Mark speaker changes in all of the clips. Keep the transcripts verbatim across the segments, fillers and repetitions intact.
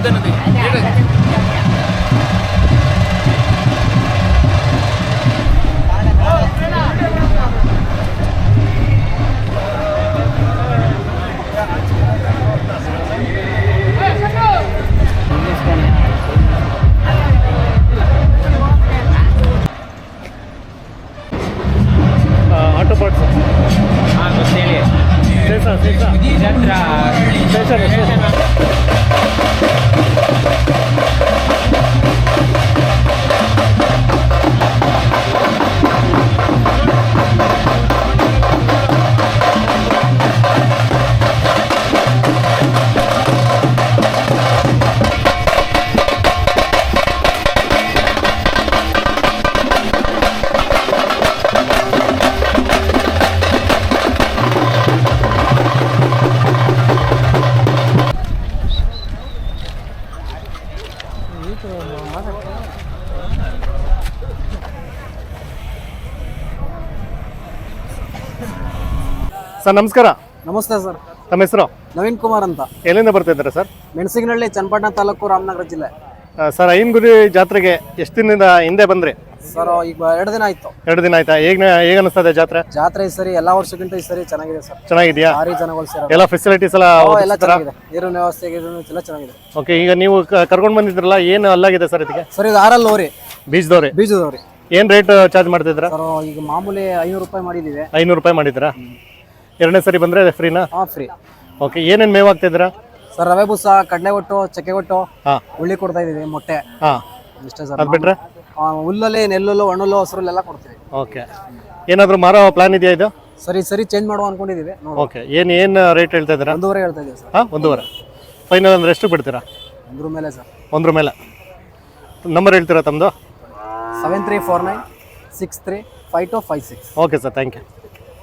Speaker 1: Auto parts
Speaker 2: ಹಾಂ ಗೊತ್ತೇಳಿ
Speaker 1: ಶೇಷ ಶೇಷ
Speaker 2: ಹತ್ರ
Speaker 1: ಶೇಷ ಶೇಷ ಸರ್ ನಮಸ್ಕಾರ.
Speaker 3: ನಮಸ್ತೆ ಸರ್.
Speaker 1: ತಮ್ಮ ಹೆಸರು?
Speaker 3: ನವೀನ್ ಕುಮಾರ್ ಅಂತ.
Speaker 1: ಎಲ್ಲಿಂದ ಬರ್ತಾ ಇದ್ದಾರೆ ಸರ್?
Speaker 3: ಮೆಣಸಿನಹಳ್ಳಿ, ಚನ್ನಪಟ್ಟಣ ತಾಲೂಕು, ರಾಮನಗರ ಜಿಲ್ಲೆ.
Speaker 1: ಸರ್ ಐನಗುಡಿ ಜಾತ್ರೆಗೆ ಎಷ್ಟು ದಿನದಿಂದ ಹಿಂದೆ ಬಂದ್ರಿ?
Speaker 3: ಸರ್ ಈಗ ಎರಡು ದಿನ ಆಯ್ತು.
Speaker 1: ಎರಡು ದಿನ ಆಯ್ತಾ? ಹೇಗ್ ಹೇಗೆ ಅನಿಸ್ತದೆ ಜಾತ್ರೆ?
Speaker 3: ಜಾತ್ರೆ ಈ ಸರಿ ಎಲ್ಲಾ ವರ್ಷಕ್ಕಿಂತ ಈ ಸರಿ ಚೆನ್ನಾಗಿದೆ ಸರ್.
Speaker 1: ಚೆನ್ನಾಗಿದೆಯಾ?
Speaker 3: ಭಾರಿ ಜನಗಳು ಸೇರ
Speaker 1: ಎಲ್ಲ ಫೆಸಿಲಿಟೀಸ್ ಎಲ್ಲ
Speaker 3: ಎಲ್ಲ ಚೆನ್ನಾಗಿದೆ. ನೀರಿನ ವ್ಯವಸ್ಥೆ ಎಲ್ಲ ಚೆನ್ನಾಗಿದೆ.
Speaker 1: ಓಕೆ, ಈಗ ನೀವು ಕರ್ಕೊಂಡು ಬಂದಿದ್ರಲ್ಲ, ಏನು ಅಲ್ಲಾಗಿದೆ ಸರ್ ಇದಕ್ಕೆ?
Speaker 3: ಸರ್ ಇದು ಆರಲ್ ಲೋರಿ
Speaker 1: ಬೀಜದವ್ರಿ
Speaker 3: ಬೀಜದವ್ರಿ
Speaker 1: ಏನ್ ರೇಟ್ ಚಾರ್ಜ್ ಮಾಡ್ತಿದ್ರ
Speaker 3: ಸರ್? ಈಗ ಮಾಮೂಲಿ ಐನೂರು ರೂಪಾಯಿ ಮಾಡಿದೀವಿ.
Speaker 1: ಐನೂರು ರೂಪಾಯಿ ಮಾಡಿದ್ರಾ? ಎರಡನೇ ಸರಿ ಬಂದ್ರೆ ಫ್ರೀನಾ?
Speaker 3: ಹಾ, ಫ್ರೀ.
Speaker 1: ಓಕೆ, ಏನೇನ್ ಮೇವ್ ಆಗ್ತಿದ್ರ
Speaker 3: ಸರ್? ರವೆ ಬೂಸ, ಕಡಲೆ ಒಟ್ಟು, ಚಕ್ಕೆ ಒಟ್ಟು,
Speaker 1: ಹಾ,
Speaker 3: ಹುಳ್ಳಿ ಕೊಡ್ತಾ ಇದೀವಿ, ಮೊಟ್ಟೆ.
Speaker 1: ಹಾ,
Speaker 3: ಇಷ್ಟೇ ಸರ್.
Speaker 1: ಅದ್ ಬಿಟ್ರೆ
Speaker 3: ಹುಲ್ಲಲ್ಲಿ ನೆಲ್ಲುಲ್ಲು, ಹಣ್ಣುಲ್ಲು, ಹಸಿರುಲ್ಲೆಲ್ಲ ಕೊಡ್ತೀವಿ.
Speaker 1: ಓಕೆ, ಏನಾದ್ರು ಮಾರೋ ಪ್ಲಾನ್ ಇದೆಯಾ ಇದು?
Speaker 3: ಸರಿ ಸರಿ ಚೇಂಜ್ ಮಾಡುವ ಅನ್ಕೊಂಡಿದೀವಿ.
Speaker 1: ಓಕೆ, ಏನ್ ಏನ್ ರೇಟ್ ಹೇಳ್ತಾ ಇದ್ದೀರಾ?
Speaker 3: ಒಂದೂವರೆ ಹೇಳ್ತಾ ಇದೀವಿ ಸರ್.
Speaker 1: ಹಾ, ಒಂದೂವರೆ. ಫೈನಲ್ ಅಂದ್ರೆ ಎಷ್ಟು ಬಿಡ್ತೀರಾ?
Speaker 3: ಒಂದ್ರ ಮೇಲೆ ಸರ್.
Speaker 1: ಒಂದ್ರ ಮೇಲೆ. ನಂಬರ್ ಹೇಳ್ತೀರಾ ತಮ್ಮದು?
Speaker 3: Seven three four nine six three five two five six.
Speaker 1: Okay sir, thank you.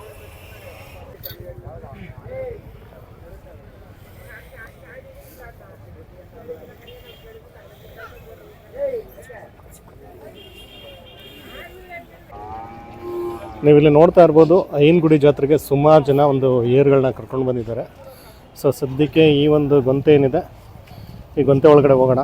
Speaker 1: ನೀವಿಲ್ಲಿ ನೋಡ್ತಾ ಇರ್ಬೋದು, ಐನಗುಡಿ ಜಾತ್ರೆಗೆ ಸುಮಾರು ಜನ ಒಂದು ಏರ್ಗಳನ್ನ ಕರ್ಕೊಂಡು ಬಂದಿದ್ದಾರೆ. ಸೊ ಸದ್ಯಕ್ಕೆ ಈ ಒಂದು ಗೊಂತೆ ಏನಿದೆ, ಈ ಗೊಂತೆ ಒಳಗಡೆ ಹೋಗೋಣ,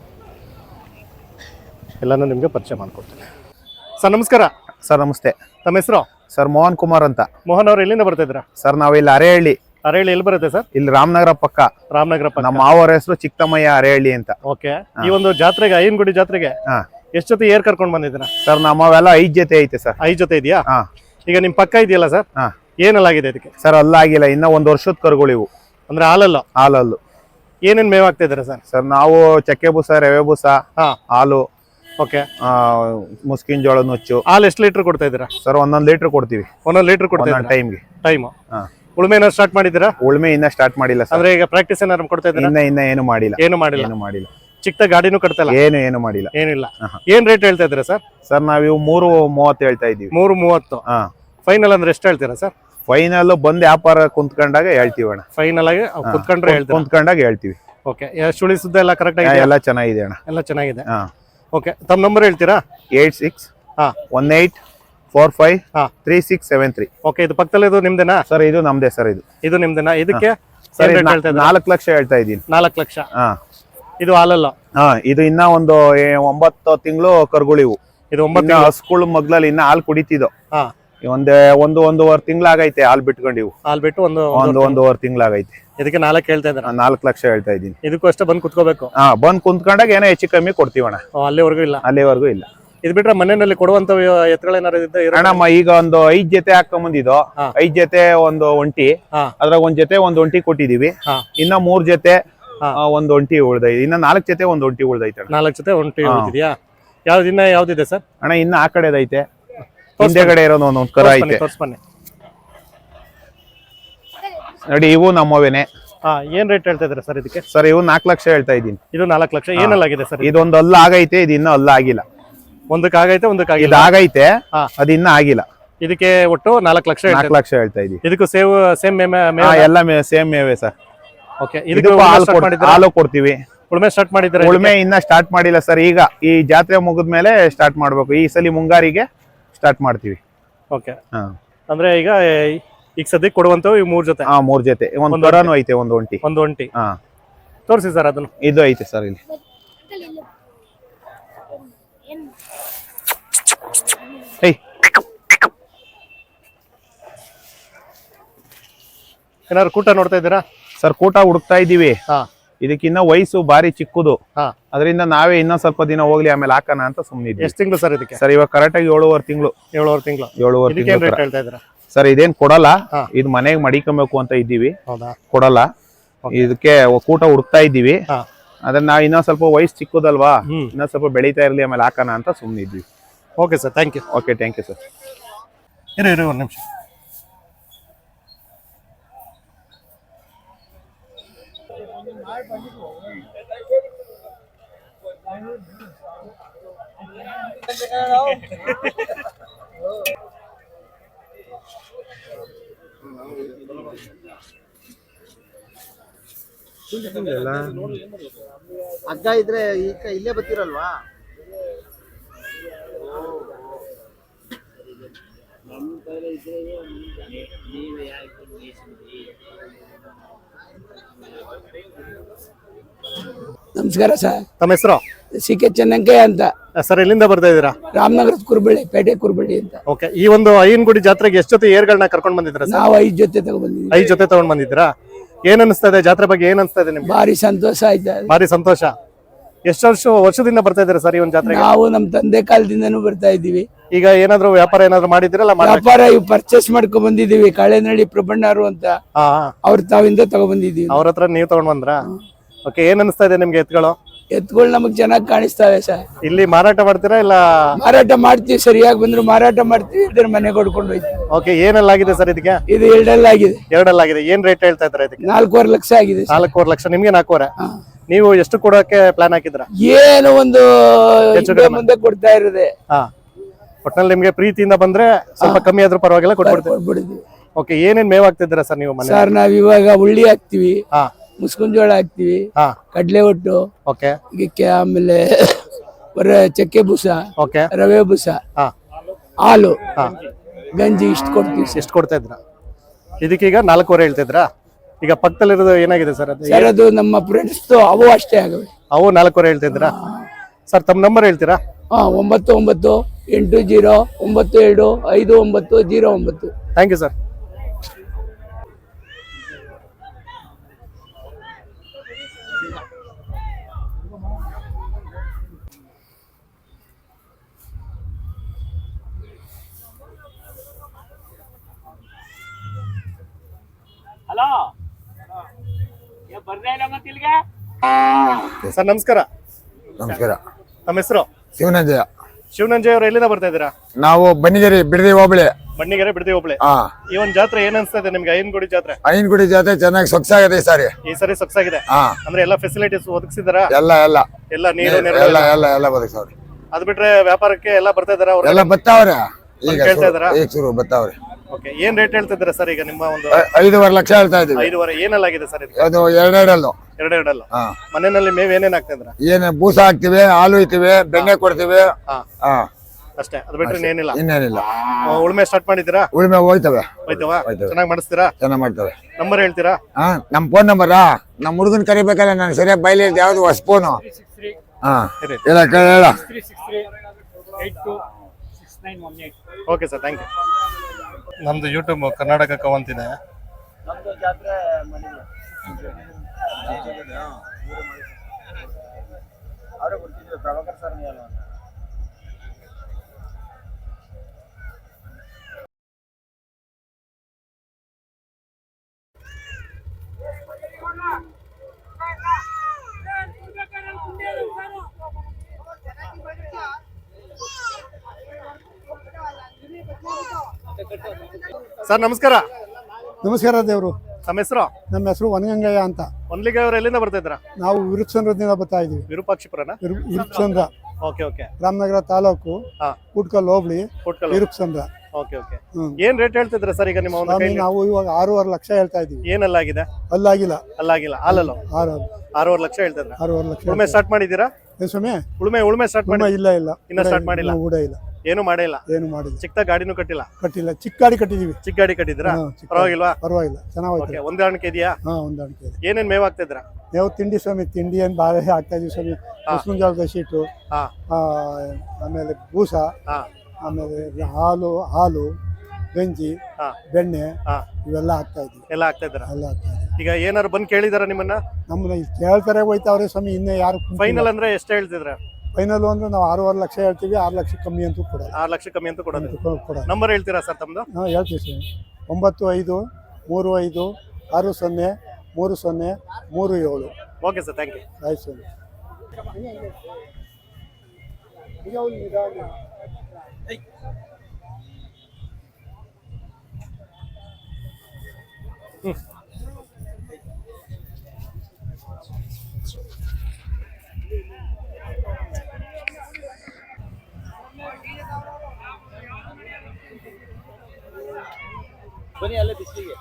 Speaker 1: ಎಲ್ಲನೂ ನಿಮಗೆ ಪರಿಚಯ ಮಾಡಿಕೊಡ್ತೀನಿ. ಸರ್ ನಮಸ್ಕಾರ.
Speaker 4: ಸರ್ ನಮಸ್ತೆ.
Speaker 1: ತಮ್ಮ ಹೆಸರು?
Speaker 4: ಸರ್ ಮೋಹನ್ ಕುಮಾರ್ ಅಂತ.
Speaker 1: ಮೋಹನ್ ಅವ್ರು ಎಲ್ಲಿಂದ ಬರ್ತಾ ಇದ್ದೀರಾ?
Speaker 4: ಸರ್ ನಾವು ಇಲ್ಲಿ ಅರೇಹಳ್ಳಿ.
Speaker 1: ಅರೇಹಳ್ಳಿ ಎಲ್ಲಿ ಬರುತ್ತೆ ಸರ್?
Speaker 4: ಇಲ್ಲಿ ರಾಮನಗರ ಪಕ್ಕ.
Speaker 1: ರಾಮನಗರ ಪಕ್ಕ.
Speaker 4: ನಮ್ಮ ಮಾವರ ಹೆಸರು ಚಿಕ್ಕಮ್ಮಯ್ಯ ಅರೇಹಳ್ಳಿ ಅಂತ.
Speaker 1: ಓಕೆ, ಈ ಒಂದು ಜಾತ್ರೆಗೆ, ಐನಗುಡಿ ಜಾತ್ರೆಗೆ
Speaker 4: ಹಾ,
Speaker 1: ಎಷ್ಟು ಜೊತೆ ಏರ್ ಕರ್ಕೊಂಡು ಬಂದಿದ್ದೀರಾ?
Speaker 4: ಸರ್ ನಮ್ಮವೆಲ್ಲ ಐದ್ ಜೊತೆ ಐತೆ ಸರ್.
Speaker 1: ಐದು ಜೊತೆ ಇದೆಯಾ?
Speaker 4: ಹಾ.
Speaker 1: ಈಗ ನಿಮ್ ಪಕ್ಕ ಇದೆಯಲ್ಲ ಸರ್?
Speaker 4: ಹಾ.
Speaker 1: ಏನಲ್ಲಾಗಿದೆ ಇದಕ್ಕೆ?
Speaker 4: ಸರ್ ಅಲ್ಲಾಗಿಲ್ಲ, ಇನ್ನ ಒಂದ್ ವರ್ಷದ ಕರುಗಳಿವು.
Speaker 1: ಅಂದ್ರೆ ಹಾಲಲ್ಲ?
Speaker 4: ಹಾಲಲ್ಲು.
Speaker 1: ಏನೇನ್ ಮೇವ್ ಆಗ್ತಾ ಇದ್ದೀರಾ ಸರ್?
Speaker 4: ಸರ್ ನಾವು ಚಕ್ಕೆ ಬೂಸ, ರವೆ ಬೂಸ,
Speaker 1: ಹಾ,
Speaker 4: ಹಾಲು,
Speaker 1: ಓಕೆ,
Speaker 4: ಮುಸ್ಕಿನ ಜೋಳ ನುಚ್ಚು.
Speaker 1: ಹಾಲು ಎಷ್ಟು ಲೀಟರ್ ಕೊಡ್ತಾ ಇದ್ದೀರಾ?
Speaker 4: ಸರ್ ಒಂದೊಂದ್ ಲೀಟರ್ ಕೊಡ್ತೀವಿ.
Speaker 1: ಒಂದೊಂದು ಲೀಟರ್ ಕೊಡ್ತಾ
Speaker 4: ಟೈಮ್ಗೆ.
Speaker 1: ಟೈಮ್.
Speaker 4: ಹಾ.
Speaker 1: ಉಳುಮೆ ಏನಾದ್ರು ಸ್ಟಾರ್ಟ್ ಮಾಡಿದ್ದೀರಾ?
Speaker 4: ಉಳ್ಮೆ ಇನ್ನ ಸ್ಟಾರ್ಟ್ ಮಾಡಿಲ್ಲ ಸರ್.
Speaker 1: ಅಂದ್ರೆ ಈಗ ಪ್ರಾಕ್ಟೀಸ್ ಏನಾದ್ರು ಕೊಡ್ತಾ ಇದ್ದೀರಾ?
Speaker 4: ಇನ್ನ ಇನ್ನ ಏನು ಮಾಡಿಲ್ಲ.
Speaker 1: ಏನು ಮಾಡಿಲ್ಲ.
Speaker 4: ಏನು ಮಾಡಿಲ್ಲ.
Speaker 1: ಚಿಕ್ಕ ಗಾಡಿನೂ ಕಟ್ತಲ್ಲ?
Speaker 4: ಏನು ಏನು ಮಾಡಿಲ್ಲ.
Speaker 1: ಏನಿಲ್ಲ. ಏನ್ ರೇಟ್ ಹೇಳ್ತಾ ಇದ್ದೀರಾ ಸರ್?
Speaker 4: ಸರ್ ನಾವಿವು ಮೂರು ಮೂವತ್ತು ಹೇಳ್ತಾ ಇದೀವಿ.
Speaker 1: ಮೂರು ಮೂವತ್ತು.
Speaker 4: ಹಾ.
Speaker 1: ಫೈನಲ್ ಅಂದ್ರೆ ಎಷ್ಟು ಹೇಳ್ತೀರಾ ಸರ್?
Speaker 4: ಫೈನಲ್ ಬಂದ್ ವ್ಯಾಪಾರ ಕುಂತ್ಕೊಂಡಾಗ ಹೇಳ್ತೀವಿ ಅಣ್ಣ.
Speaker 1: ಫೈನಲ್ ಆಗಿ ಕುತ್ಕೊಂಡ್ರೆ ಹೇಳ್ತೀರಾ?
Speaker 4: ಕುಂತ್ಕೊಂಡಾಗ ಹೇಳ್ತೀವಿ.
Speaker 1: ಓಕೆ, ಸುಳಿ ಸುದ್ದ ಎಲ್ಲ ಕರೆಕ್ಟ್ ಆಗಿದೆ?
Speaker 4: ಎಲ್ಲ ಚೆನ್ನಾಗಿದೆ ಅಣ್ಣ,
Speaker 1: ಎಲ್ಲ ಚೆನ್ನಾಗಿದೆ.
Speaker 4: ಹಾ.
Speaker 1: ಓಕೆ, ತಮ್ಮ ನಂಬರ್ ಹೇಳ್ತೀರಾ?
Speaker 4: ಏಟ್ ಸಿಕ್ಸ್
Speaker 1: ಹಾ
Speaker 4: ಒನ್ ಏಟ್ ಫೋರ್ ಫೈವ್
Speaker 1: ಹಾ
Speaker 4: three six seven three.
Speaker 1: Okay, ಇದು ಪಕ್ಕದಲ್ಲಿ ಇದು ನಿಮ್ದೇನಾ
Speaker 4: ಸರ್? ಇದು ನಮ್ದೇ ಸರ್. ಇದು
Speaker 1: ಇದು ನಿಮ್ದೇನಾ? ಇದಕ್ಕೆ
Speaker 4: ನಾಲ್ಕು ಲಕ್ಷ ಹೇಳ್ತಾ ಇದ್ದೀನಿ.
Speaker 1: ನಾಲ್ಕು ಲಕ್ಷ.
Speaker 4: ಹಾ.
Speaker 1: ಇದು ಹಾಲಲ್ಲ?
Speaker 4: ಹಾ, ಇದು ಇನ್ನ ಒಂದು ಒಂಬತ್ತು ತಿಂಗಳು ಕರುಗಳಿವು.
Speaker 1: ಇದು ಒಂಬತ್ತು
Speaker 4: ಹಸ್ಗಳು ಮಗ್ಲಲ್ಲಿ ಇನ್ನ ಹಾಲು ಕುಡಿತಿದ್ದು.
Speaker 1: ಹಾ,
Speaker 4: ಒಂದೇ ಒಂದು ಒಂದೂವರೆ ತಿಂಗಳಾಗೈತೆ ಹಾಲು ಬಿಟ್ಕೊಂಡಿವು.
Speaker 1: ಹಾಲು ಬಿಟ್ಟು ಒಂದು
Speaker 4: ಒಂದು ಒಂದೂವರೆ ತಿಂಗಳಾಗೈತೆ.
Speaker 1: ಇದಕ್ಕೆ ನಾಲ್ಕು ಹೇಳ್ತಾ ಇದ್ದಾರೆ.
Speaker 4: ನಾಲ್ಕು ಲಕ್ಷ ಹೇಳ್ತಾ ಇದ್ದೀನಿ.
Speaker 1: ಇದಕ್ಕೂ ಅಷ್ಟೇ ಬಂದು ಕುತ್ಕೋಬೇಕು?
Speaker 4: ಹಾ, ಬಂದ್ ಕುಂತ್ಕೊಂಡಾಗ ಏನೋ ಹೆಚ್ಚು ಕಮ್ಮಿ ಕೊಡ್ತೀವಣ್ಣ.
Speaker 1: ಅಲ್ಲಿವರೆಗೂ ಇಲ್ಲ?
Speaker 4: ಅಲ್ಲಿವರೆಗೂ ಇಲ್ಲ.
Speaker 1: ಇದು ಬಿಟ್ರೆ ಮನೆಯಲ್ಲಿ ಕೊಡುವಂತ ಎತ್ತುಗಳೇನಾರು
Speaker 4: ಅಣ್ಣಮ್ಮ ಈಗ ಒಂದು ಐದ್ ಜೊತೆ ಹಾಕೊಂಬಂದಿದ್ದು. ಐದ್ ಜೊತೆ ಒಂದು ಒಂಟಿ, ಅದ್ರಾಗ ಒಂದ್ ಜೊತೆ ಒಂದ್ ಒಂಟಿ ಕೊಟ್ಟಿದೀವಿ. ಇನ್ನ ಮೂರ್ ಜೊತೆ ಒಂದ್ ಒಂಟಿ ಉಳ್ದೈತೆ. ಇನ್ನ ನಾಲ್ಕ್ ಜೊತೆ ಒಂದ್ ಒಂಟಿ ಉಳ್ದೈತೆ.
Speaker 1: ನಾಲ್ಕು ಜೊತೆ ಒಂಟಿ ಉಳಿದಿದ್ಯಾ? ಯಾವ್ದು ಇನ್ನ ಯಾವ್ದಿದೆ ಸರ್?
Speaker 4: ಅಣ್ಣ ಇನ್ನ ಆ ಕಡೆದೈತೆ, ಹಿಂದೆಗಡೆ ಇರೋದು ಒಂದೊಂದ್ ಕರ ಐತೆ.
Speaker 1: ತೋರ್ಸ್ಬನ್ನಿ
Speaker 4: ನೋಡಿ, ಇವು ನಮ್ಮವೇನೆ.
Speaker 1: ಹಾ, ಏನ್ ರೇಟ್ ಹೇಳ್ತಾ ಇದ್ರೆ ಸರ್ ಇದಕ್ಕೆ?
Speaker 4: ಸರ್ ಇವು ನಾಲ್ಕು ಲಕ್ಷ ಹೇಳ್ತಾ ಇದೀನಿ.
Speaker 1: ಇದು ನಾಲ್ಕು ಲಕ್ಷ. ಏನಲ್ಲಾಗಿದೆ ಸರ್?
Speaker 4: ಇದೊಂದು ಅಲ್ಲ ಆಗೈತೆ, ಇದು ಇನ್ನ ಅಲ್ಲ ಆಗಿಲ್ಲ.
Speaker 1: ಒಂದಕ್ಕೆ ಆಗೈತೆ, ಒಂದಕ್ಕೆ ಆಗಿಲ್ಲ.
Speaker 4: ಆಗೈತೆ, ಅದು ಇನ್ನ ಆಗಿಲ್ಲ.
Speaker 1: ಇದಕ್ಕೆ ಒಟ್ಟು ನಾಲ್ಕು ಲಕ್ಷ
Speaker 4: ನಾಲ್ಕು ಲಕ್ಷ ಹೇಳ್ತಾ ಇದೀವಿ.
Speaker 1: ಇದಕ್ಕೂ ಸೇವ್ ಸೇಮ್
Speaker 4: ಎಲ್ಲ ಸೇಮ್ ಮೇವೆ ಸರ್.
Speaker 1: ಓಕೆ, ಇದಕ್ಕೆ
Speaker 4: ಹಾಲು ಕೊಡ್ತೀವಿ.
Speaker 1: ಉಳುಮೆ ಸ್ಟಾರ್ಟ್ ಮಾಡಿದ್ರೆ?
Speaker 4: ಉಳುಮೆ ಇನ್ನ ಸ್ಟಾರ್ಟ್ ಮಾಡಿಲ್ಲ ಸರ್. ಈಗ ಈ ಜಾತ್ರೆ ಮುಗಿದ್ಮೇಲೆ ಸ್ಟಾರ್ಟ್ ಮಾಡ್ಬೇಕು. ಈ ಸಲ ಮುಂಗಾರಿಗೆ ಸ್ಟಾರ್ಟ್ ಮಾಡ್ತೀವಿ.
Speaker 1: ಓಕೆ, ಅಂದ್ರೆ ಈಗ ಈಗ ಸದ್ಯಕ್ಕೆ ಕೊಡುವಂತವು ಈ ಮೂರ್ ಜೊತೆ?
Speaker 4: ಹಾ, ಮೂರ್ ಜೊತೆ. ಒಂದ್ ಕರಾನು ಐತೆ, ಒಂದು ಒಂಟಿ.
Speaker 1: ಒಂದು ಒಂಟಿ.
Speaker 4: ಹಾ,
Speaker 1: ತೋರಿಸಿ ಸರ್ ಅದನ್ನು.
Speaker 4: ಇದು ಐತೆ ಸರ್ ಇಲ್ಲಿ. ಏಯ್
Speaker 1: ಏನಾದ್ರು ಕೂಟ ನೋಡ್ತಾ ಇದ್ದೀರಾ
Speaker 4: ಸರ್? ಕೂಟ ಹುಡುಕ್ತಾ ಇದ್ದೀವಿ.
Speaker 1: ಹಾ
Speaker 4: ಇದಕ್ಕಿನ್ನ ವಯಸ್ಸು ಬಾರಿ ಚಿಕ್ಕದು,
Speaker 1: ಹಾ
Speaker 4: ಅದರಿಂದ ನಾವೇ ಇನ್ನೊಂದ್ ಸ್ವಲ್ಪ ದಿನ ಹೋಗ್ಲಿ ಆಮೇಲೆ ಹಾಕೋಣ ಅಂತ ಸುಮ್ಮನಿದ್ವಿ.
Speaker 1: ಎಷ್ಟು ತಿಂಗಳು ಸರ್ ಇದಕ್ಕೆ?
Speaker 4: ಸರ್ ಇವಾಗ ಕರೆಕ್ಟಾಗಿ ಏಳುವರೆ ತಿಂಗಳು.
Speaker 1: ಏಳುವರೆ ತಿಂಗಳು.
Speaker 4: ಏಳುವರೆ
Speaker 1: ಇದಕ್ಕೆ ಏನ್ ರೇಟ್
Speaker 4: ತಿಂಗಳು
Speaker 1: ಹೇಳ್ತಾ ಇದ್ದೀರಾ?
Speaker 4: ಸರ್ ಇದೇನ್ ಕೊಡಲ್ಲ,
Speaker 1: ಹಾ.
Speaker 4: ಇದು ಮನೆಗೆ ಮಡಿಕೊಬೇಕು ಅಂತ ಇದ್ದೀವಿ,
Speaker 1: ಹೌದಾ?
Speaker 4: ಕೊಡಲ್ಲ. ಇದಕ್ಕೆ ಕೂಟ ಹುಡುಕ್ತಾ ಇದ್ದೀವಿ.
Speaker 1: ಹಾ
Speaker 4: ಅದನ್ನ ನಾವ್ ಇನ್ನೊಂದ್ ಸ್ವಲ್ಪ ವಯಸ್ಸು ಚಿಕ್ಕದಲ್ವಾ,
Speaker 1: ಹ್ಮ್
Speaker 4: ಇನ್ನೊಂದ್ ಸ್ವಲ್ಪ ಬೆಳೀತಾ ಇರ್ಲಿ ಆಮೇಲೆ ಹಾಕೋಣ ಅಂತ ಸುಮ್ಮನಿದ್ವಿ.
Speaker 1: Okay sir, thank you.
Speaker 4: Okay, thank you sir.
Speaker 1: ಇರು ಇರು ಒಂದು ನಿಮಿಷ.
Speaker 5: ಹಗ್ಗ ಇದ್ರೆ ಈಗ ಇಲ್ಲೇ ಬರ್ತಿರಲ್ವಾ?
Speaker 3: ನಮಸ್ಕಾರ ಸರ್.
Speaker 1: ತಮ್ಮ ಹೆಸರು?
Speaker 3: ಸಿ ಕೆ ಚೆನ್ನಂಕಯ್ಯ ಅಂತ.
Speaker 1: ಸರ್ ಎಲ್ಲಿಂದ ಬರ್ತಾ ಇದ್ದೀರಾ?
Speaker 3: ರಾಮನಗರದ ಕುರುಬಳ್ಳಿ, ಪೇಟೆ ಕುರುಬಳ್ಳಿ ಅಂತ.
Speaker 1: ಓಕೆ, ಈ ಒಂದು ಅಯ್ಯನಗುಡಿ ಜಾತ್ರೆಗೆ ಎಷ್ಟು ಜೊತೆ ಏರ್ಗಳನ್ನ ಕರ್ಕೊಂಡ್ ಬಂದಿದ್ದೀರಾ ಸರ್?
Speaker 3: ನಾವು ಐದು ಜೊತೆ ತಗೊಂಡ್ಬಂದಿದ್ದೀವಿ.
Speaker 1: ಐದು ಜೊತೆ ತಗೊಂಡ್ ಬಂದಿದ್ದೀರಾ? ಏನ್ ಅನಿಸ್ತಾ ಇದೆ ಜಾತ್ರೆ ಬಗ್ಗೆ? ಏನ್ ಅನಿಸ್ತಾ ಇದೆ ನಿಮ್ಗೆ?
Speaker 3: ಭಾರಿ ಸಂತೋಷ ಆಯ್ತಾ.
Speaker 1: ಭಾರಿ ಸಂತೋಷ. ಎಷ್ಟು ವರ್ಷ ವರ್ಷದಿಂದ ಬರ್ತಾ ಇದ್ದೀರಾ ಸರ್ ಈ ಒಂದು ಜಾತ್ರೆಗೆ?
Speaker 3: ನಾವು ನಮ್ಮ ತಂದೆ ಕಾಲದಿಂದನೂ ಬರ್ತಾ ಇದ್ದೀವಿ.
Speaker 1: ಈಗ ಏನಾದ್ರು ವ್ಯಾಪಾರ ಏನಾದ್ರು ಮಾಡಿದಿರಲ್ಲ?
Speaker 3: ವ್ಯಾಪಾರ ಇವ್ ಪರ್ಚೇಸ್ ಮಾಡ್ಕೊಂಡ್ ಬಂದಿದ್ದೀವಿ. ಕಾಳೆನಹಳ್ಳಿ ಪ್ರಬಣ್ಣರು ಅಂತ,
Speaker 1: ಹಾ
Speaker 3: ಅವ್ರ ತಾವಿಂದ ತಗೊಂಡ್ಬಂದಿದ್ದೀವಿ.
Speaker 1: ಅವ್ರ ಹತ್ರ ನೀವು ತಗೊಂಡ್ ಬಂದ್ರಾ? ಓಕೆ, ಏನ್ ಅನಿಸ್ತಾ ಇದೆ ನಿಮ್ಗೆ ಎತ್ಗಳು?
Speaker 3: ಎತ್ಗಳು ನಮಗ್ ಚೆನ್ನಾಗಿ ಕಾಣಿಸ್ತಾವೆ ಸರ್.
Speaker 1: ಇಲ್ಲಿ ಮಾರಾಟ ಮಾಡ್ತೀರಾ ಇಲ್ಲ?
Speaker 3: ಮಾರಾಟ ಮಾಡ್ತೀವಿ, ಸರಿಯಾಗಿ ಬಂದ್ರು ಮಾರಾಟ ಮಾಡ್ತೀವಿ, ಇದ್ರ ಮನೆಗೆ ಹೊಡ್ಕೊಂಡು ಹೋಯ್ತೀವಿ.
Speaker 1: ಓಕೆ, ಏನೆಲ್ಲಾಗಿದೆ ಸರ್ ಇದಕ್ಕೆ?
Speaker 3: ಇದು ಎರಡಲ್ಲಾಗಿದೆ.
Speaker 1: ಎರಡಲ್ಲಾಗಿದೆ. ಏನ್ ರೇಟ್ ಹೇಳ್ತಾ ಇದ್ದಾರೆ ಇದಕ್ಕೆ?
Speaker 3: ನಾಲ್ಕೂವರೆ ಲಕ್ಷ ಆಗಿದೆ.
Speaker 1: ನಾಲ್ಕೂವರೆ ಲಕ್ಷ. ನಿಮ್ಗೆ ನಾಲ್ಕೂವರೆ. ನೀವು ಎಷ್ಟು ಕೊಡೋಕೆ ಪ್ಲಾನ್ ಹಾಕಿದ್ರ?
Speaker 3: ಏನು ಒಂದು ಹಿಂದೆ ಮುಂದೆ ಕೊಡ್ತಾ ಇರೋದೆ.
Speaker 1: ಹಾ, ಒಟ್ನಲ್ಲಿ ನಿಮ್ಗೆ ಪ್ರೀತಿಯಿಂದ ಬಂದ್ರೆ ಸ್ವಲ್ಪ ಕಮ್ಮಿ ಆದ್ರೂ ಪರವಾಗಿಲ್ಲ ಕೊಟ್ಬಿಡ್ತೀವಿ.
Speaker 3: ಕೊಟ್ಬಿಡಿದ್ವಿ.
Speaker 1: ಓಕೆ, ಏನೇನ್ ಮೇವ್ ಹಾಕ್ತಿದ್ದೀರಾ ಸರ್ ನೀವು ಮನೆ?
Speaker 3: ಸರ್ ನಾವ್ ಇವಾಗ ಉಳ್ಳಿ ಹಾಕ್ತಿವಿ,
Speaker 1: ಹಾ
Speaker 3: ಮುಸ್ಕಿನ ಜೋಳ ಹಾಕ್ತಿವಿ,
Speaker 1: ಹಾ
Speaker 3: ಕಡ್ಲೆ ಒಟ್ಟು,
Speaker 1: ಓಕೆ
Speaker 3: ಇದಕ್ಕೆ ಆಮೇಲೆ ಬರ ಚಕ್ಕೆ ಬೂಸ,
Speaker 1: ಓಕೆ
Speaker 3: ರವೆ ಬೂಸ,
Speaker 1: ಹಾ
Speaker 3: ಹಾಲು,
Speaker 1: ಹಾ
Speaker 3: ಗಂಜಿ ಇಷ್ಟು ಕೊಡ್ತೀವಿ.
Speaker 1: ಎಷ್ಟು ಕೊಡ್ತಾ ಇದ್ರ? ಇದಕ್ಕೀಗ ನಾಲ್ಕೂವರೆ ಹೇಳ್ತಿದ್ರಾ? ಈಗ ಪಕ್ಕದಲ್ಲಿರೋದು ಏನಾಗಿದೆ ಸರ್ ಅದು?
Speaker 3: ಸರ್ ಅದು ನಮ್ಮ ಫ್ರೆಂಡ್ಸ್ ಅವು ಅಷ್ಟೇ ಆಗವೆ.
Speaker 1: ಅವು ನಾಲ್ಕೂವರೆ ಹೇಳ್ತಿದ್ರಾ? ಸರ್ ತಮ್ಮ ನಂಬರ್ ಹೇಳ್ತೀರಾ?
Speaker 3: ಹಾ, ಒಂಬತ್ತು ಒಂಬತ್ತು ಎಂಟು ಜೀರೋ ಒಂಬತ್ತು ಎರಡು ಐದು ಒಂಬತ್ತು ಜೀರೋ ಒಂಬತ್ತು.
Speaker 1: Thank you sir.
Speaker 2: ಹಲೋ, ಬರ್ದೇ ಇಲ್ಲ ಮತ್ತೆ ಇಲ್ಲಿಗೆ?
Speaker 1: ಸರ್ ನಮಸ್ಕಾರ.
Speaker 6: ನಮಸ್ಕಾರ.
Speaker 1: ತಮ್ಮ ಹೆಸರು?
Speaker 6: ಶಿವನಂಜಯ.
Speaker 1: ಶಿವನಂಜಯ್ ಅವರು ಎಲ್ಲಿಂದ ಬರ್ತಾ ಇದ್ದೀರಾ?
Speaker 6: ನಾವು ಬನ್ನಿಗೆರೆ ಬಿಡದಿ ಹೋಬಳಿ.
Speaker 1: ಬನ್ನಿಗೆರೆ ಬಿಡದಿ ಹೋಬಳಿ.
Speaker 6: ಹಾ,
Speaker 1: ಈ ಒಂದು ಜಾತ್ರೆ ಏನ್ ಅನ್ಸ್ತಾ ಇದೆ ನಿಮ್ಗೆ? ಅಯ್ಯನಗುಡಿ ಜಾತ್ರೆ
Speaker 6: ಅಯ್ಯನಗುಡಿ ಜಾತ್ರೆ ಚೆನ್ನಾಗಿ ಸೊಗಸಾಗಿದೆ ಈ ಸಾರಿ.
Speaker 1: ಈ ಸರಿ ಸೊಗಸಾಗಿದೆ.
Speaker 6: ಹಾ,
Speaker 1: ಅಂದ್ರೆ ಎಲ್ಲ ಫೆಸಿಲಿಟೀಸ್ ಒದಗಿಸಿದಾರ?
Speaker 6: ಎಲ್ಲ ಎಲ್ಲ
Speaker 1: ಎಲ್ಲ ನೀರು ನೆರಳು
Speaker 6: ಎಲ್ಲ ಎಲ್ಲ ಎಲ್ಲ ಬದುಕ್ತಾವ್ರಿ.
Speaker 1: ಅದ್ ಬಿಟ್ರೆ ವ್ಯಾಪಾರಕ್ಕೆ ಎಲ್ಲ ಬರ್ತಾ ಇದಾರ ಅವ್ರು?
Speaker 6: ಎಲ್ಲ ಬತ್ತಾವ್ರೆ ಈಗ
Speaker 1: ಕೇಳ್ತಾ ಇದಾರಾ?
Speaker 6: ಈಗ ಶುರು ಬತ್ತಾವ್ರೆ.
Speaker 1: ಓಕೆ, ಏನ್ ರೇಟ್ ಹೇಳ್ತಿದ್ದೀರಾ ಸರ್ ಈಗ ನಿಮ್ಮ ಒಂದು?
Speaker 6: ಐ- ಐದೂವರೆ ಲಕ್ಷ ಹೇಳ್ತಾ ಇದೀವಿ.
Speaker 1: ಐದುವರೆ. ಏನೆಲ್ಲಾಗಿದೆ ಸರ್ ಇದಕ್ಕೆ?
Speaker 6: ಅದು ಎರಡೆರಡಲ್ಲು.
Speaker 1: ಎರಡೆರಡಲ್ಲ.
Speaker 6: ಹಾ,
Speaker 1: ಮನೆಯಲ್ಲಿ ಮೇವ್ ಏನೇನ್ ಹಾಕ್ತಾ ಇದ್ರ?
Speaker 6: ಏನ್ ಬೂಸ ಹಾಕ್ತಿವಿ, ಹಾಲು ಇಟ್ಟಿವಿ, ಬೆಣ್ಣೆ ಕೊಡ್ತೀವಿ.
Speaker 1: ಹಾ
Speaker 6: ಹಾ,
Speaker 1: ಅಷ್ಟೇ. ಅದ್ ಬಿಟ್ರೆ ಏನಿಲ್ಲ.
Speaker 6: ಇನ್ನೇನಿಲ್ಲ.
Speaker 1: ಆ, ಉಳ್ಮೆ ಸ್ಟಾರ್ಟ್ ಮಾಡಿದ್ದೀರಾ?
Speaker 6: ಉಳ್ಮೆ ಹೋಯ್ತವೆ,
Speaker 1: ಹೋಯ್ತವಾ?
Speaker 6: ಹೋಯ್ತವೆ.
Speaker 1: ಚೆನ್ನಾಗಿ ಮಾಡಿಸ್ತೀರಾ?
Speaker 6: ಚೆನ್ನಾಗ್ ಮಾಡ್ತವೆ.
Speaker 1: ನಂಬರ್ ಹೇಳ್ತೀರಾ?
Speaker 6: ಹಾ, ನಮ್ ಫೋನ್ ನಂಬರಾ? ನಮ್ ಹುಡುಗನ್ ಕರಿಬೇಕಲ್ಲ, ನಾನು ಸರಿಯಾಗಿ ಬೈಲಿ ಯಾವ್ದು ಹೊಸ ಫೋನು. ಹಾ,
Speaker 1: ಸರಿ.
Speaker 6: ಹೇಳ ಕೇಳ ಹೇಳ.
Speaker 1: Okay sir, thank you. ನಮ್ದು ಯೂಟ್ಯೂಬ್ ಕರ್ನಾಟಕ ಕವಂತಿದೆ. ಸರ್ ನಮಸ್ಕಾರ.
Speaker 7: ನಮಸ್ಕಾರ ದೇವರು.
Speaker 1: ತಮ್ಮ ಹೆಸರು?
Speaker 7: ನಮ್ಮ ಹೆಸರು ವನಗಂಗಯ್ಯ ಅಂತ.
Speaker 1: ಒನ್ಲಿಗೆ ಅವ್ರು ಎಲ್ಲಿಂದ ಬರ್ತಾ ಇದ್ರ?
Speaker 7: ನಾವು ವಿರುಪ್ಸಂದ್ರದಿಂದ ಬರ್ತಾ ಇದೀವಿ.
Speaker 1: ವಿರೂಪಾಕ್ಷಿಪುರನ?
Speaker 7: ವಿರು- ವಿರುಪ್ಸಂದ್ರ,
Speaker 1: ಓಕೆ ಓಕೆ.
Speaker 7: ರಾಮನಗರ ತಾಲೂಕು,
Speaker 1: ಹಾ,
Speaker 7: ಕೂಟ್ಕಲ್ ಹೋಬಳಿ,
Speaker 1: ಕೊಟ್ಕಲ್.
Speaker 7: ವಿರುಪ್ಸಂದ್ರ.
Speaker 1: Okay okay.
Speaker 7: ಹ್ಮ್.
Speaker 1: ಏನ್ ರೇಟ್ ಹೇಳ್ತಿದ್ರ ಸರ್ ಈಗ ನಿಮ್ಮ ಒಂದು
Speaker 7: ಸ್ವಾಮಿ
Speaker 1: ಕೈಲಿ?
Speaker 7: ನಾವು ಇವಾಗ ಆರೂವರೆ ಲಕ್ಷ ಹೇಳ್ತಾ ಇದೀವಿ.
Speaker 1: ಏನಲ್ಲಾಗಿದೆ?
Speaker 7: ಅಲ್ಲಾಗಿಲ್ಲ,
Speaker 1: ಅಲ್ಲಾಗಿಲ್ಲ. ಹಾಲಲ್ಲ
Speaker 7: ಆರು
Speaker 1: ಆರೂವರೆ ಲಕ್ಷ ಹೇಳ್ತಿದ್ರ?
Speaker 7: ಆರೂವರೆ ಲಕ್ಷ.
Speaker 1: ಉಳುಮೆ ಸ್ಟಾರ್ಟ್ ಮಾಡಿದ್ದೀರಾ?
Speaker 7: ಏನ್ ಸ್ವಾಮಿ?
Speaker 1: ಉಳುಮೆ ಉಳುಮೆ ಸ್ಟಾರ್ಟ್ ಮಾಡಿ?
Speaker 7: ಇಲ್ಲ ಇಲ್ಲ,
Speaker 1: ಇನ್ನ ಸ್ಟಾರ್ಟ್ ಮಾಡಿಲ್ಲ.
Speaker 7: ಇನ್ನು ಊಟ ಇಲ್ಲ.
Speaker 1: ಏನು ಮಾಡಿಲ್ಲ.
Speaker 7: ಏನು ಮಾಡಿಲ್ಲ,
Speaker 1: ಚಿಕ್ಕ ಗಾಡಿನೂ ಕಟ್ಟಿಲ್ಲ.
Speaker 7: ಕಟ್ಟಿಲ್ಲ. ಚಿಕ್ಕ ಗಾಡಿ ಕಟ್ಟಿದೀವಿ.
Speaker 1: ಚಿಕ್ಕ ಗಾಡಿ ಕಟ್ಟಿದ್ರಾ?
Speaker 7: ಹಾ, ಚಿಕ್ಕ
Speaker 1: ಪರವಾಗಿಲ್ವಾ?
Speaker 7: ಪರವಾಗಿಲ್ಲ, ಚೆನ್ನಾಗಿ
Speaker 1: ಓಕೆ, ಹೊಂದಾಣಿಕೆ ಇದೆಯಾ?
Speaker 7: ಹಾ, ಹೊಂದಾಣಿಕೆ ಇದೆ.
Speaker 1: ಏನೇನ್ ಮೇವ್ ಆಗ್ತಿದ್ರಾ?
Speaker 7: ನಾವು ತಿಂಡಿ ಸ್ವಾಮಿ, ತಿಂಡಿ ಏನು ಬಾಳೆ ಹಾಕ್ತಾ ಇದೀವಿ ಸ್ವಾಮಿ. ಮುಸ್ಲಿಂ ಜೋಳದ ಶೀಟು,
Speaker 1: ಹಾ
Speaker 7: ಆಮೇಲೆ ಬೂಸ,
Speaker 1: ಹಾ
Speaker 7: ಆಮೇಲೆ ಹಾಲು ಹಾಲು ಗಂಜಿ,
Speaker 1: ಹಾ
Speaker 7: ಬೆಣ್ಣೆ,
Speaker 1: ಹಾ
Speaker 7: ಇವೆಲ್ಲ ಹಾಕ್ತಾ ಇದೀವಿ.
Speaker 1: ಎಲ್ಲ ಆಗ್ತಾ ಇದ್ರ?
Speaker 7: ಎಲ್ಲ ಹಾಕ್ತಾ ಇದೀವಿ.
Speaker 1: ಈಗ ಏನಾರು ಬಂದ್ ಕೇಳಿದಾರ ನಿಮ್ಮನ್ನ?
Speaker 7: ನಮ್ಮನ್ನ ಇಲ್ಲಿ ಕೇಳ್ತಾರೆ ಹೋಯ್ತಾವ್ರೆ ಸ್ವಾಮಿ. ಇನ್ನೇ ಯಾರು
Speaker 1: ಫೈನಲ್ ಅಂದ್ರೆ ಎಷ್ಟು ಹೇಳ್ತಿದ್ರ?
Speaker 7: ಫೈನಲ್ ಅಂದ್ರೆ ನಾವು ಆರೂವರೆ ಲಕ್ಷ ಹೇಳ್ತೀವಿ. ಆರು ಲಕ್ಷ ಕಮ್ಮಿ ಅಂತೂ ಕೊಡಲ್ಲ.
Speaker 1: ಆರು ಲಕ್ಷ ಕಮ್ಮಿ ಅಂತ ಕೊಡೋದು.
Speaker 7: ಕೊಡಲ್ಲ.
Speaker 1: ನಂಬರ್ ಹೇಳ್ತೀರಾ ಸರ್ ತಮ್ದು?
Speaker 7: ಹಾಂ, ಹೇಳ್ತೀವಿ ಸ್ವಾಮಿ. ಒಂಬತ್ತು ಐದು ಮೂರು ಐದು ಆರು ಸೊನ್ನೆ ಮೂರು ಸೊನ್ನೆ ಮೂರು ಏಳು.
Speaker 1: Okay sir, thank you.
Speaker 7: ಆಯ್ತು ಸ್ವಾಮಿ.
Speaker 5: ಬನ್ನಿ ಅಲ್ಲೇ ಬಿಸಿಲಿಗೆ.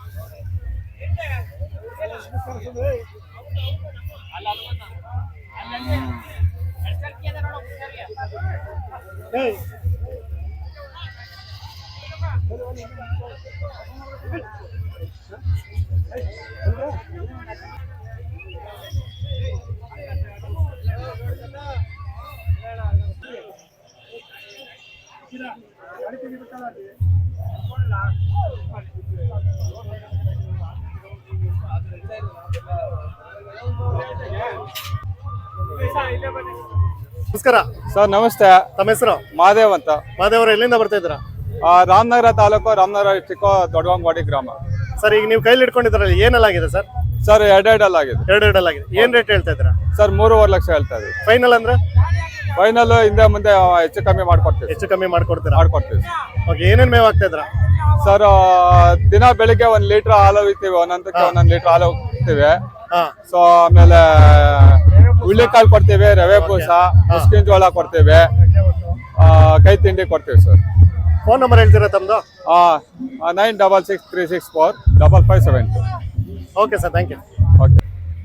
Speaker 1: ನಮಸ್ಕಾರ
Speaker 8: ಸರ್. ನಮಸ್ತೆ.
Speaker 1: ತಮ್ಮ ಹೆಸರು?
Speaker 8: ಮಹಾದೇವ್ ಅಂತ.
Speaker 1: ಮಾದೇವ್ರ, ಎಲ್ಲಿಂದ ಬರ್ತಾ ಇದ್ದೀರಾ?
Speaker 8: ಆ, ರಾಮನಗರ ತಾಲೂಕು, ರಾಮನಗರ ಚಿಕ್ಕ ದೊಡ್ಡಗಂಗವಾಡಿ ಗ್ರಾಮ.
Speaker 1: ಸರ್, ಈಗ ನೀವು ಕೈಲಿ ಇಟ್ಕೊಂಡಿದ್ರಲ್ಲ, ಏನೆಲ್ಲ ಆಗಿದೆ ಸರ್?
Speaker 8: ಸರ್ ಎರಡೆರಡಲ್ಲಿ ಆಗಿದೆ.
Speaker 1: ಎರಡು ಎರಡಲ್ಲ ಆಗಿದೆ. ಏನ್ ರೇಟ್ ಹೇಳ್ತಾ ಇದ್ದೀರಾ?
Speaker 8: ಸರ್ ಮೂರುವರೆ ಲಕ್ಷ ಹೇಳ್ತಾ ಇದ್ದೀವಿ.
Speaker 1: ಫೈನಲ್ ಅಂದ್ರೆ
Speaker 8: ಫೈನಲ್ ಹಿಂದೆ ಮುಂದೆ ಹೆಚ್ಚು ಕಮ್ಮಿ ಮಾಡ್ಕೊಡ್ತೀವಿ.
Speaker 1: ಹೆಚ್ಚು ಕಮ್ಮಿ ಮಾಡ್ಕೊಡ್ತೀರಾ?
Speaker 8: ಮಾಡ್ಕೊಡ್ತೀವಿ.
Speaker 1: ಓಕೆ, ಏನೇನ್ ಮೇವ್ ಆಗ್ತಾ ಇದ್ರ?
Speaker 8: ಸರ್ ದಿನ ಬೆಳಿಗ್ಗೆ ಒಂದ್ ಲೀಟರ್ ಹಾಲು ಇರ್ತೀವಿ, ಒಂದೊಂದಕ್ಕೆ ಒಂದೊಂದ್ ಲೀಟರ್ ಹಾಲು ಇರ್ತೀವಿ.
Speaker 1: ಹಾ
Speaker 8: ಸೊ ಆಮೇಲೆ ಹುಳ್ಳಿಕಾಳು ಕೊಡ್ತೀವಿ, ರವೆ ಬೂಸ, ಮುಸ್ಕಿನ ಜೋಳ ಕೊಡ್ತೀವಿ, ಕೈ ತಿಂಡಿ ಕೊಡ್ತೀವಿ ಸರ್.
Speaker 1: ಫೋನ್ ನಂಬರ್ ಹೇಳ್ತೀರಾ ತಮ್ದು?
Speaker 8: Nine double six three six four double five seven two.
Speaker 1: Okay sir, thank you.
Speaker 8: Okay.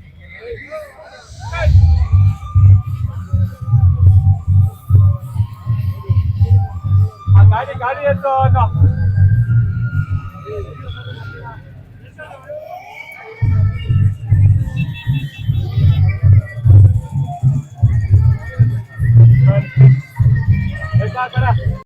Speaker 8: ಗಾಡಿ ಗಾಡಿ ಎತ್ತು